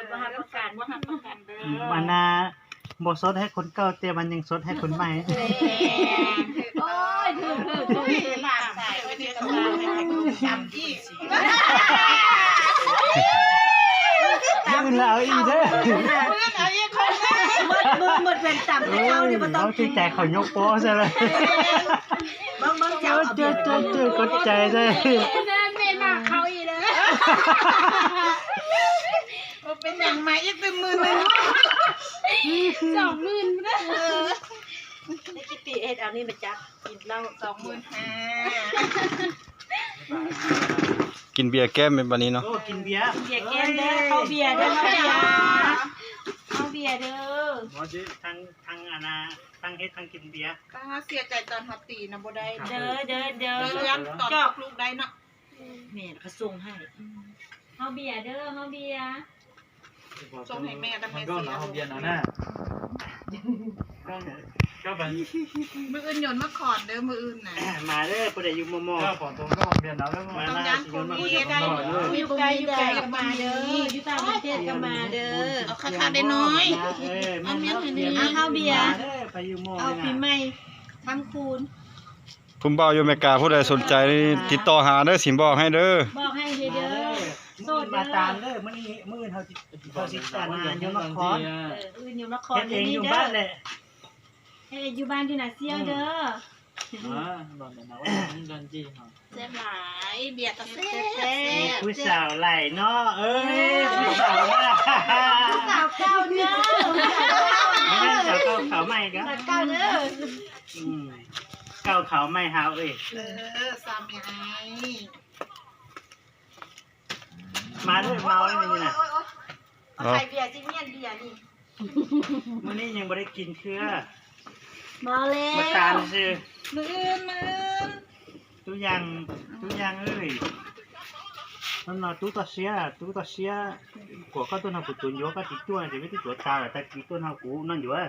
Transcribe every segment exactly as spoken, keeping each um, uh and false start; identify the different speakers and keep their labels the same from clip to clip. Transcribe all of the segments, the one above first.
Speaker 1: บ่ฮับประกันบ่ฮับประกันเด้อ
Speaker 2: มันน่ะบ่สดให้คนเก่าแต่มันยังสดให้คนใหม่
Speaker 1: โอ้ยถือถือถือหลานสายไว้ในตำราให้กูจำที่
Speaker 2: ยืนแล้วอีเด้อ
Speaker 1: มือหมดเป็นต่ำแต่เจ้านี่บ่ต้อง
Speaker 2: เอาใจเขายกโป้ซะเลย
Speaker 1: เบิ่งเบิ่ง
Speaker 2: เจ
Speaker 1: เจ้า
Speaker 2: อเจอเจอเจอกดใจซะ
Speaker 1: แม่แม่มาเขาอีเด้อเป็นหยังมาอีกเป็นหมื่นนึงสองหมื่นเด้อได้กิติเฮ็ดเอานี่มาจับกินเหล้าสองหมื่นห้า
Speaker 3: กินเบียร์แก้มเป็นบัดนี้เนาะ
Speaker 2: โอ้กินเบียร์
Speaker 1: เบียร์แก้มเด้อเข้าเบียร์เด้อเข้าเบียร์เด้อ
Speaker 2: บ่สิทั้งทั้งอันน่ะทั้งเฮ็ดทั้งกินเบียร์
Speaker 4: ก็เสียใจตอนฮอตตีนะบ่ได้
Speaker 1: เด้อเด้อเด้อ
Speaker 4: เลี้ยงตอนลูกได้เนาะ
Speaker 1: แม่ก็ส่งให้เข้าเบียร์เด้อเข้าเบียร์
Speaker 4: ส่งให้แม่กับแม่
Speaker 5: ก็
Speaker 4: เสีย
Speaker 5: เนาะเบียร์เนาะน่ะก็ก็แบบ
Speaker 4: มืออื่นโยนมาขอนเด้อมืออื่นน่ะ
Speaker 2: มาเด้อผู้ใดอยู่มอมอ
Speaker 5: ก็ขอตรงก็เบียร์เนาะแล้ว
Speaker 2: มา
Speaker 4: ต้อง
Speaker 2: ล่า
Speaker 4: ย้าน
Speaker 2: สิ
Speaker 4: โค
Speaker 2: โยนมา
Speaker 4: วิดได้
Speaker 1: อยู่ไกลอยู่ไกลก็มาเด้ออยู่ต่างประเทศก็มาเด้อ
Speaker 4: เอาค่าได้น้อย
Speaker 2: เอ้ยมาเด้อ
Speaker 1: เอาเข้าเบียร์
Speaker 2: เด้อไปอยู่มอ
Speaker 1: เอาปีใหม่ทำคูณ
Speaker 3: ผมบ่าวอยู่อเมริกาผู้ใดสนใจนี่ติดต่อหาเด้อสิบอกให้เด้อ
Speaker 1: บอกให้เด้อ
Speaker 2: โซดมาตามเด้อมื้อนี้มื้อเฮาสิเฮาสิตานานอยู่นคร
Speaker 1: เอออื่นอยู่นคร
Speaker 2: เฮ็ดเองอยู่
Speaker 1: เด้
Speaker 2: บ้า
Speaker 1: อน
Speaker 2: แหละ
Speaker 1: เฮ็ดอยู่บ้านที่น่ะเซียวเด้อ
Speaker 5: อ่าหล่อนนะว่าดันจีฮะ
Speaker 4: เสียหลายเบียร์ก็แซ่
Speaker 1: แซ่
Speaker 4: บ
Speaker 2: ผู้สาวไหลเนาะเอ้ยผู้สาวน่ะ
Speaker 1: สาวเก่าเด้อ
Speaker 2: ไม่งั้นสาวเก่าขาวใหม่ก็
Speaker 1: สาวเก่าเด้อ
Speaker 2: อืมเก่าขาวใหม่หาวเอ้ย
Speaker 4: เออสามยาย
Speaker 2: มาด้วยเมาเลยนี่น่ะ
Speaker 1: เอาใส่เบียร์สิเมียนเบียร์นี่
Speaker 2: มื้อนี้ยังบ่ได้กินเครือ
Speaker 1: มาแล้ว
Speaker 2: มาตามซื่อ
Speaker 4: มืออื่นมืออื่น
Speaker 2: ทุกอย่างทุกอย่างเอ้ยนั่นน่ะตุ๊ตะเสียตุ๊ตะเสียกว่าก็ตัวน่ะกูตุนอยู่ก็ติดตัวจะไม่ติดตัวตาแต่ติดตัวน่ะกูนั่นอยู่อ่ะ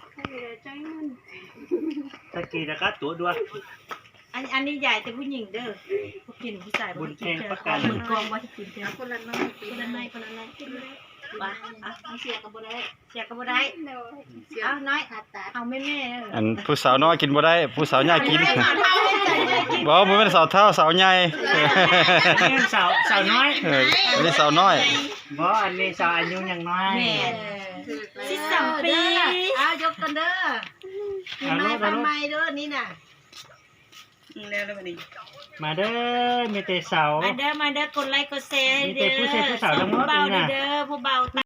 Speaker 2: ตะกี้แล้วก็ตัวด้วย
Speaker 1: อันอันนี้ใหญ่แต่ผู้หญิงเด้อผู้กินผู้ชายบุญแพงประกันมือกองว่าที่กินเด้อ
Speaker 4: คนละน้อย
Speaker 1: คนละน้อยคนละน้อยกินเลยว่าอ่ะ
Speaker 4: เอาเสียก็บ่ได้
Speaker 1: เสียก็บ่ได้
Speaker 4: เสีย
Speaker 1: เอาน้อยเอาแม่แม่
Speaker 3: อันผู้สาวน้อยกินบ่ได้ผู้สาวใหญ่กิน
Speaker 1: เท่าใจเลยกิน
Speaker 3: บ่บ่แม่นสาวเฒ่าสาวใหญ่
Speaker 2: อันนี้สาวสาวน้อย
Speaker 3: เอออันนี้สาวน้อย
Speaker 2: บ่อันนี้สาวอายุยังน้อย
Speaker 1: แม่
Speaker 4: ถือ
Speaker 1: สิบสามปีเอายกกันเด้อปีใหม่ปีใหม่เด้อนี่น่ะ
Speaker 4: แล้วแล้วบัดนี้
Speaker 2: มาเด้อมีแต่สาว
Speaker 1: มาเด้อมาเด้อกดไลค์กดแชร์ให้เด้อ
Speaker 2: มีแต่ผู้ชายผู้สาวทั้งหมด
Speaker 1: ผู้เบา
Speaker 2: เลยน่ะ
Speaker 1: เด้อผู้เบา